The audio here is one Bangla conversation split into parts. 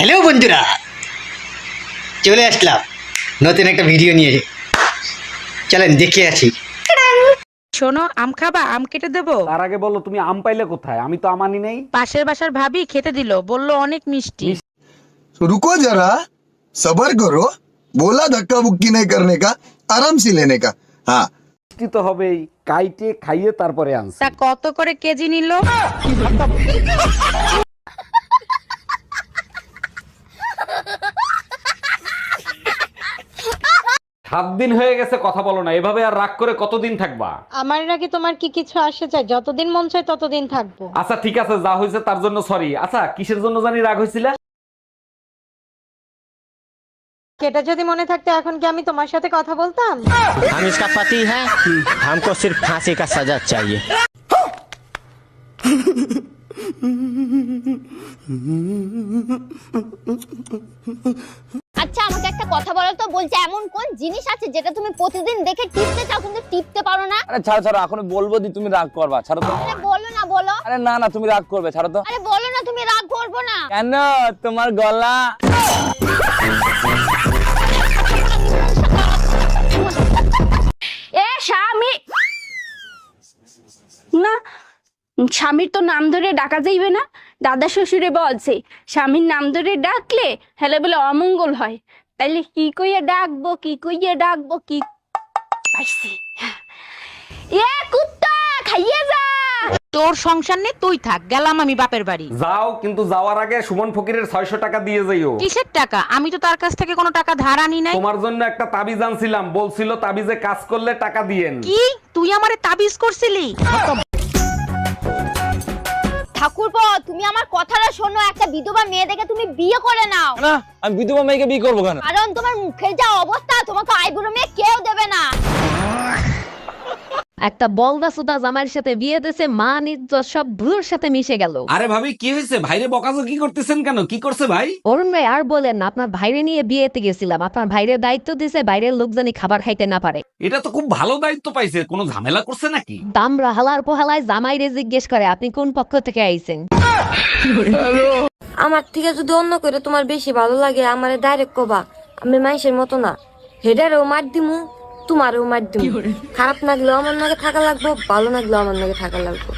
হ্যালো বন্ধুরা, চলে আসলাম নতুন একটা ভিডিও নিয়ে। চলেন দেখে আসি। শোনো, আম খাবা? আম কেটে দেবো? তার আগে বলো তুমি আম পাইলে কোথায়? আমি তো আমানি নেই। পাশের বাসার ভাবি খেতে দিল, বললো অনেক মিষ্টি। रुको जरा सबर करो बोला धक्का बुक्की नहीं करने का आराम से लेने का हाँ মিষ্টি তো হবেই, কাইটে খাইয়ে তারপরে আনছি। তা কত করে কেজি নিল? 7 দিন হয়ে গেছে কথা বলো না, এভাবে আর রাগ করে কতদিন থাকবা? আমার নাকি তোমার কি কিছু আসে চাই? যতদিন মন চায় ততদিন থাকবো। আচ্ছা ঠিক আছে, যা হয়েছে তার জন্য সরি। আচ্ছা কিসের জন্য জানি রাগ হয়েছিল? সেটা যদি মনে থাকতো এখন কি আমি তোমার সাথে কথা বলতাম? हम इसका पति है हमको सिर्फ फांसी का सजा चाहिए। আচ্ছা আমাকে একটা কথা বলো তো, বলছে এমন কোন জিনিস আছে যেটা তুমি প্রতিদিন দেখে টিপতে চাও কিন্তু টিপতে পারো না? আরে ছাড়ো ছাড়ো, এখন বলবো দি তুমি রাগ করবা, ছাড়ো তো। আরে বলো না, বলো। আরে না না, তুমি রাগ করবে, ছাড়ো তো। আরে বলো না, তুমি রাগ করবো না। কেন? তোমার গলা। এ স্বামী না, স্বামীর তো নাম ধরে ডাকা যাইবে না। দাদা শ্বশুরে বলছে স্বামীর নাম ধরে ডাকলে হেলে বলে অমঙ্গল হয়। তাইলে কি কইয়া ডাকবো, কি কইয়া ডাকবো, কি পাইছি? এ কুত্তা খাইয়ে যা। তোর সংসার নেই, তুই থাক, গেলাম আমি বাপের বাড়ি। যাও, কিন্তু যাওয়ার আগে সুমন ফকিরের 600 টাকা দিয়ে যাইও। কিসের টাকা? আমি তো তার কাছ থেকে কোনো টাকা ধার আনি নাই। তোমার জন্য একটা তাবিজ আনছিলাম, বলছিল তাবিজে কাজ করলে টাকা দিয়েন। কি তুই আমারে তাবিজ করছিলি? ঠাকুরপো, তুমি আমার কথাটা শোনো, একটা বিধবা মেয়ে দেখে তুমি বিয়ে করে নাও। না, আমি বিধবা মেয়েকে বিয়ে করবো কেন? কারণ তোমার মুখের যা অবস্থা, তোমাকে আইবুড়ো মেয়ে কেউ দেবে না। একটা বলদা সুদা জামাইয়ের সাথে বিয়ে দিয়েছে, মান ইজ্জত সব ধুলোর সাথে মিশে গেল। আরে ভাবি কি হয়েছে? ভাইরে বকাজকি করতেছেন কেন? কি করছে ভাই? অরুণ ভাই আর বলেন না, আপনার ভাইরে নিয়ে বিয়েতে গেছিলাম, আপনার ভাইরে দায়িত্ব দিয়েছে বাইরের লোক জানি খাবার খাইতে না পারে। এটা তো খুব ভালো দায়িত্ব পাইছে, কোনো ঝামেলা করছে নাকি? দামরা হালার পোহালায় জামাইরে জিজ্ঞেস করে আপনি কোন পক্ষ থেকে আইছেন। আমার থেকে যদি অন্য করে তোমার বেশি ভালো লাগে আমারে ডাইরেক্ট কবা, আমি মানুষের মতো না। হেডারেও মার দিমু, তোমারও মার দিমু। খারাপ লাগলেও আমার নাকি থাকা লাগবো, ভালো লাগলেও আমার নাকি থাকা লাগবো।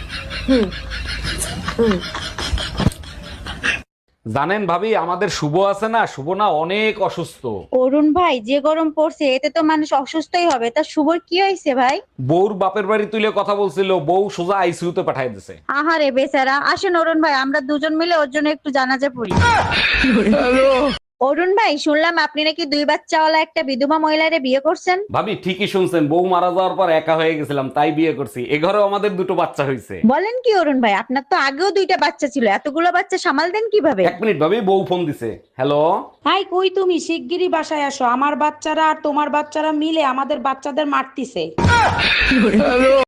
জানেন ভাবি, আমাদের শুভ আছে না, শুভ না অনেক অসুস্থ। অরুণ ভাই, যে গরম পড়ছে এতে তো মানুষ অসুস্থই হবে। তা শুভর কি হয়েছে ভাই? বউর বাপের বাড়ি তুলে কথা বলছিল, বউ সোজা আইসিইউতে পাঠাই দিছে। আহারে বেচারা। আসেন অরুণ ভাই, আমরা দুজন মিলে ওর জন্য একটু জানাজা পড়ি। অরুণ ভাই, শুনলাম আপনি নাকি 2 বাচ্চাওয়ালা একটা বিধবা মহিলারে বিয়ে করছেন। ভাবি ঠিকই শুনছেন, বউ মারা যাওয়ার পর একা হয়ে গেছিলাম, তাই বিয়ে করছি। এ ঘরেও আমাদের 2টো বাচ্চা হয়েছে। বলেন কি অরুণ ভাই, আপনার তো আগেও 2টা বাচ্চা ছিল, এতগুলো বাচ্চা সামাল দেন কিভাবে? 1 মিনিট ভাবি, বউ ফোন দিছে। হ্যালো। হাই, কই তুমি? শিগগিরই বাসায় আসো, আমার বাচ্চারা আর তোমার বাচ্চারা মিলে আমাদের বাচ্চাদের মারতিছে।